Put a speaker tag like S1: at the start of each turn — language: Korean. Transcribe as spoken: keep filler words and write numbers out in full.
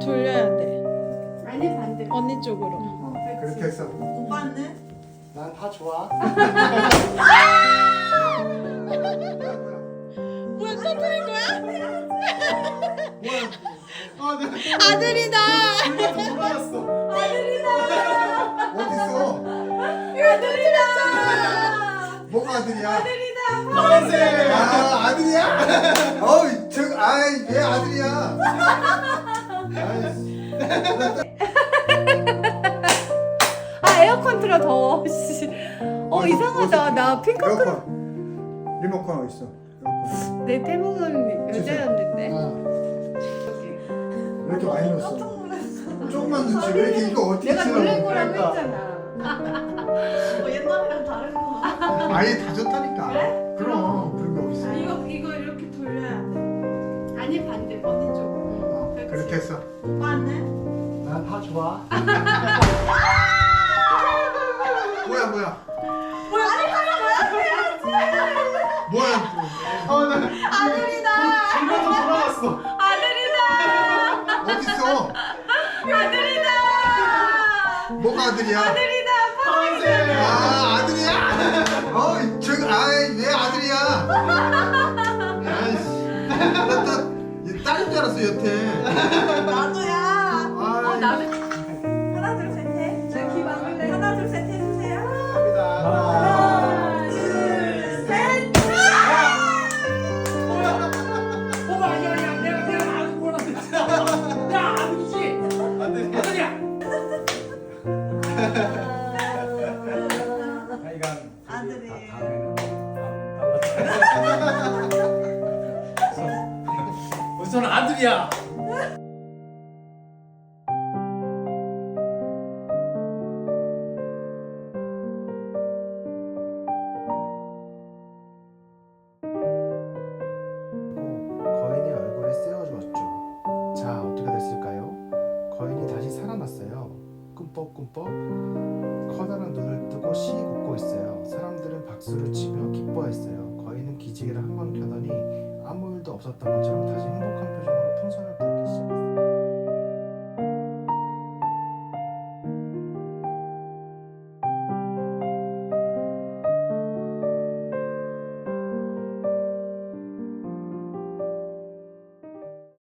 S1: 돌려야 돼.
S2: 아니 반대.
S1: 언니 쪽으로.
S2: 어,
S3: 그렇게 했어.
S4: 오빠는?
S3: 난 다 좋아.
S1: 뭐야 터뜨린 거야?
S3: 뭐야? 아, 내가
S1: 아들이다.
S3: 돌려서 돌아왔어. 어딨어?
S1: 아들이다.
S3: 뭐가 아들이야?
S4: 아들이다.
S3: 파란색. 아, 아들이야? 어이, 저, 아이, 왜 아들이야? 아이씨.
S2: 아 에어컨 틀어 더워. 씨. 어
S3: 어디,
S2: 이상하다.
S3: 어디?
S2: 나 핑크색.
S3: 에어컨. 리모컨 어디 있어? 에어컨.
S2: 내 태몽은 여자였는데.
S3: 아, 왜 이렇게 많이 넣었어?
S4: 깜짝 놀랐어.
S3: 조금만 넣지. 왜 이렇게 이거 어떻게
S2: 내가
S3: 치라고?
S2: 놀랄 거라고
S3: 그러니까.
S2: 했잖아.
S4: 뭐 옛날이랑 다르구나.
S3: 아예 다 줬다니까. 그럼 그런 게 어디 있어?
S4: 이거 이거 이렇게 돌려야 돼.
S2: 아니 반대.
S4: 언니 쪽으로.
S3: 어, 그렇게 했어.
S4: 오빠는?
S3: 난 다 좋아. 뭐야 뭐야?
S4: 뭐야? 아니 하나
S3: 뭐야? 어, 나
S4: 아들이다.
S3: 돌려서 돌아왔어.
S4: 아들이다.
S3: 어딨어?
S4: 아들이다.
S3: 뭐가 아들이야?
S4: 아들이다.
S3: 파란색. 아, 아들이야? 어, 저, 아이, 왜 아들이야? 아이씨. 나또 딸인 줄 알았어, 여태.
S4: 나도야.
S2: 어
S3: 아이.
S2: 나는.
S4: 하나 둘 셋 해.
S2: 내가 귀 막을래.
S4: 하나 둘 셋 해주세요.
S3: 갑니다.
S4: 하나 둘 셋.
S5: 뭐가 아니야 아니야 내가 내가 아주 몰랐어 진짜 야 아버지 아들이야
S4: 아들이.
S5: 우선 아들이야
S6: 거인의 얼굴에 세워주었죠. 자, 어떻게 됐을까요? 거인이 다시 살아났어요. 꿈뻑꿈뻑 커다란 눈을 뜨고 씩 웃고 있어요. 사람들은 박수를 치며 기뻐했어요. 거인은 기지개를 한 번 켜더니 아무 일도 없었던 것처럼 다시